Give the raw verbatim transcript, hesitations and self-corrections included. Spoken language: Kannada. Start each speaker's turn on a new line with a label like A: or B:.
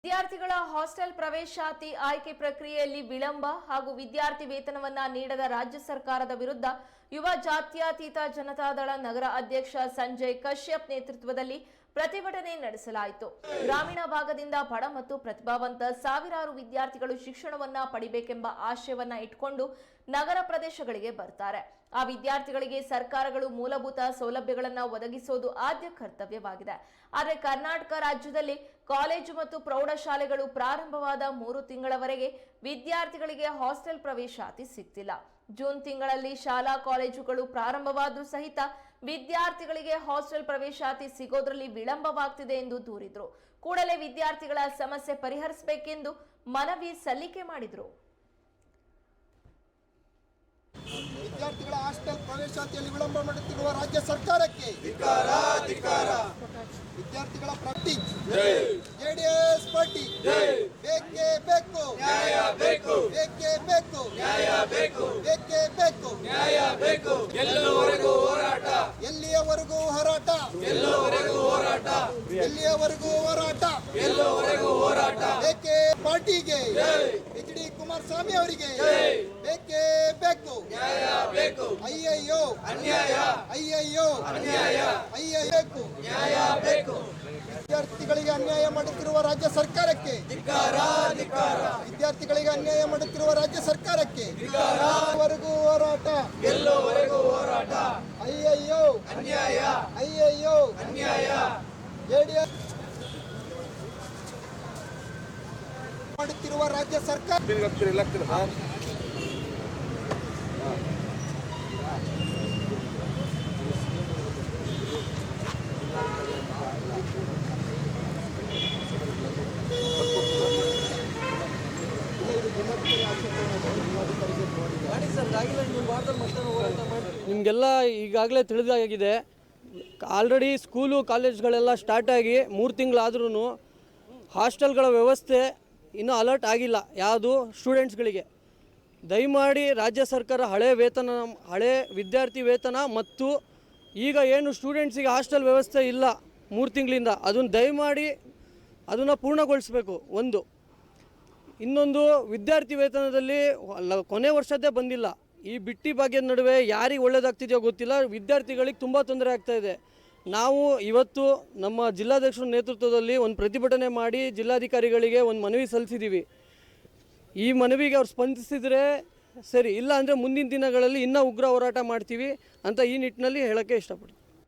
A: ವಿದ್ಯಾರ್ಥಿಗಳ ಹಾಸ್ಟೆಲ್ ಪ್ರವೇಶಾತಿ ಆಯ್ಕೆ ಪ್ರಕ್ರಿಯೆಯಲ್ಲಿ ವಿಳಂಬ ಹಾಗೂ ವಿದ್ಯಾರ್ಥಿ ವೇತನವನ್ನ ನೀಡದ ರಾಜ್ಯ ಸರ್ಕಾರದ ವಿರುದ್ಧ ಯುವ ಜಾತ್ಯತೀತ ಜನತಾದಳ ನಗರ ಅಧ್ಯಕ್ಷ ಸಂಜಯ್ ಕಶ್ಯಪ್ ನೇತೃತ್ವದಲ್ಲಿ ಪ್ರತಿಭಟನೆ ನಡೆಸಲಾಯಿತು. ಗ್ರಾಮೀಣ ಭಾಗದಿಂದ ಬಡ ಮತ್ತು ಪ್ರತಿಭಾವಂತ ಸಾವಿರಾರು ವಿದ್ಯಾರ್ಥಿಗಳು ಶಿಕ್ಷಣವನ್ನ ಪಡಿಬೇಕೆಂಬ ಆಶಯವನ್ನ ಇಟ್ಕೊಂಡು ನಗರ ಪ್ರದೇಶಗಳಿಗೆ ಬರ್ತಾರೆ. ಆ ವಿದ್ಯಾರ್ಥಿಗಳಿಗೆ ಸರ್ಕಾರಗಳು ಮೂಲಭೂತ ಸೌಲಭ್ಯಗಳನ್ನು ಒದಗಿಸುವುದು ಆದ್ಯ ಕರ್ತವ್ಯವಾಗಿದೆ. ಆದರೆ ಕರ್ನಾಟಕ ರಾಜ್ಯದಲ್ಲಿ ಕಾಲೇಜು ಮತ್ತು ಪ್ರೌಢಶಾಲೆಗಳು ಪ್ರಾರಂಭವಾದ ಮೂರು ತಿಂಗಳವರೆಗೆ ವಿದ್ಯಾರ್ಥಿಗಳಿಗೆ ಹಾಸ್ಟೆಲ್ ಪ್ರವೇಶಾತಿ ಸಿಗ್ತಿಲ್ಲ. ಜೂನ್ ತಿಂಗಳಲ್ಲಿ ಶಾಲಾ ಕಾಲೇಜುಗಳು ಪ್ರಾರಂಭವಾದರೂ ಸಹಿತ ವಿದ್ಯಾರ್ಥಿಗಳಿಗೆ ಹಾಸ್ಟೆಲ್ ಪ್ರವೇಶಾತಿ ಸಿಗೋದ್ರಲ್ಲಿ ವಿಳಂಬವಾಗ್ತಿದೆ ಎಂದು ದೂರಿದ್ರು. ಕೂಡಲೇ ವಿದ್ಯಾರ್ಥಿಗಳ ಸಮಸ್ಯೆ ಪರಿಹರಿಸಬೇಕೆಂದು ಮನವಿ ಸಲ್ಲಿಕೆ ಮಾಡಿದ್ರು.
B: ವಿದ್ಯಾರ್ಥಿಗಳ ಹಾಸ್ಟೆಲ್ ಪ್ರವೇಶಾತಿಯಲ್ಲಿ ವಿಳಂಬ ಮಾಡುತ್ತಿರುವ ರಾಜ್ಯ ಸರ್ಕಾರಕ್ಕೆ ವಿದ್ಯಾರ್ಥಿಗಳ ಪ್ರತಿ ಜೆಡಿಎಸ್ ಪಾರ್ಟಿ ಬೇಕೇ ಬೇಕು ನ್ಯಾಯ ಬೇಕು ಬೇಕೇ ಬೇಕು ನ್ಯಾಯ ಬೇಕು ಬೇಕೇ ಬೇಕು ನ್ಯಾಯ ಬೇಕು ಎಲ್ಲವರೆಗೂ ಹೋರಾಟ ಎಲ್ಲಿಯವರೆಗೂ ಹೋರಾಟ ಎಲ್ಲವರೆಗೂ ಹೋರಾಟ ಎಲ್ಲಿಯವರೆಗೂ ಹೋರಾಟ ಎಲ್ಲವರೆಗೂ ಹೋರಾಟ ಬೇಕೇ ಪಾರ್ಟಿಗೆ ಎಚ್ ಡಿ ಕುಮಾರಸ್ವಾಮಿ ಅವರಿಗೆ ಬೇಕೇ ಬೇಕು ನ್ಯಾಯ ಬೇಕು ಅಯ್ಯಯ್ಯೋ ಅನ್ಯಾಯ ಅಯ್ಯಯ್ಯೋ ಅನ್ಯಾಯ ಅಯ್ಯಯ್ಯೋ ಬೇಕು ನ್ಯಾಯ ಬೇಕು ವಿದ್ಯಾರ್ಥಿಗಳಿಗೆ ಅನ್ಯಾಯ ಮಾಡುತ್ತಿರುವ ರಾಜ್ಯ ಸರ್ಕಾರಕ್ಕೆ ಧಿಕ್ಕಾರ ಧಿಕ್ಕಾರ ವಿದ್ಯಾರ್ಥಿಗಳಿಗೆ ಅನ್ಯಾಯ ಮಾಡುತ್ತಿರುವ ರಾಜ್ಯ ಸರ್ಕಾರಕ್ಕೆ ಧಿಕ್ಕಾರವರೆಗೂ ಹೋರಾಟ ಎಲ್ಲವರೆಗೂ ಹೋರಾಟ ಅಯ್ಯಯ್ಯೋ ಅನ್ಯಾಯ ಅಯ್ಯಯ್ಯೋ ಅನ್ಯಾಯ ಜೆಡಿಎಸ್ ಮಾಡುತ್ತಿರುವ ರಾಜ್ಯ ಸರ್ಕಾರ
C: ನಿಮಗೆಲ್ಲ ಈಗಾಗಲೇ ತಿಳಿದಾಗಿದೆ. ಆಲ್ರೆಡಿ ಸ್ಕೂಲು ಕಾಲೇಜ್ಗಳೆಲ್ಲ ಸ್ಟಾರ್ಟ್ ಆಗಿ ಮೂರು ತಿಂಗಳಾದ್ರೂ ಹಾಸ್ಟೆಲ್ಗಳ ವ್ಯವಸ್ಥೆ ಇನ್ನೂ ಅಲರ್ಟ್ ಆಗಿಲ್ಲ ಯಾವುದು ಸ್ಟೂಡೆಂಟ್ಸ್ಗಳಿಗೆ. ದಯಮಾಡಿ ರಾಜ್ಯ ಸರ್ಕಾರ ಹಳೆ ವೇತನ ಹಳೆ ವಿದ್ಯಾರ್ಥಿ ವೇತನ ಮತ್ತು ಈಗ ಏನು ಸ್ಟೂಡೆಂಟ್ಸಿಗೆ ಹಾಸ್ಟೆಲ್ ವ್ಯವಸ್ಥೆ ಇಲ್ಲ ಮೂರು ತಿಂಗಳಿಂದ ಅದನ್ನು ದಯಮಾಡಿ ಅದನ್ನು ಪೂರ್ಣಗೊಳಿಸಬೇಕು. ಒಂದು ಇನ್ನೊಂದು ವಿದ್ಯಾರ್ಥಿ ವೇತನದಲ್ಲಿ ಕೊನೆ ವರ್ಷದ್ದೇ ಬಂದಿಲ್ಲ. ಈ ಬಿಟ್ಟಿ ಭಾಗ್ಯದ ನಡುವೆ ಯಾರಿಗೆ ಒಳ್ಳೇದಾಗ್ತಿದೆಯೋ ಗೊತ್ತಿಲ್ಲ, ವಿದ್ಯಾರ್ಥಿಗಳಿಗೆ ತುಂಬ ತೊಂದರೆ ಆಗ್ತಾ ಇದೆ. ನಾವು ಇವತ್ತು ನಮ್ಮ ಜಿಲ್ಲಾಧ್ಯಕ್ಷರ ನೇತೃತ್ವದಲ್ಲಿ ಒಂದು ಪ್ರತಿಭಟನೆ ಮಾಡಿ ಜಿಲ್ಲಾಧಿಕಾರಿಗಳಿಗೆ ಒಂದು ಮನವಿ ಸಲ್ಲಿಸಿದ್ದೀವಿ. ಈ ಮನವಿಗೆ ಅವ್ರು ಸ್ಪಂದಿಸಿದರೆ ಸರಿ, ಇಲ್ಲ ಅಂದರೆ ಮುಂದಿನ ದಿನಗಳಲ್ಲಿ ಇನ್ನೂ ಉಗ್ರ ಹೋರಾಟ ಮಾಡ್ತೀವಿ ಅಂತ ಈ ನಿಟ್ಟಿನಲ್ಲಿ ಹೇಳೋಕ್ಕೆ ಇಷ್ಟಪಡ್ತೀನಿ.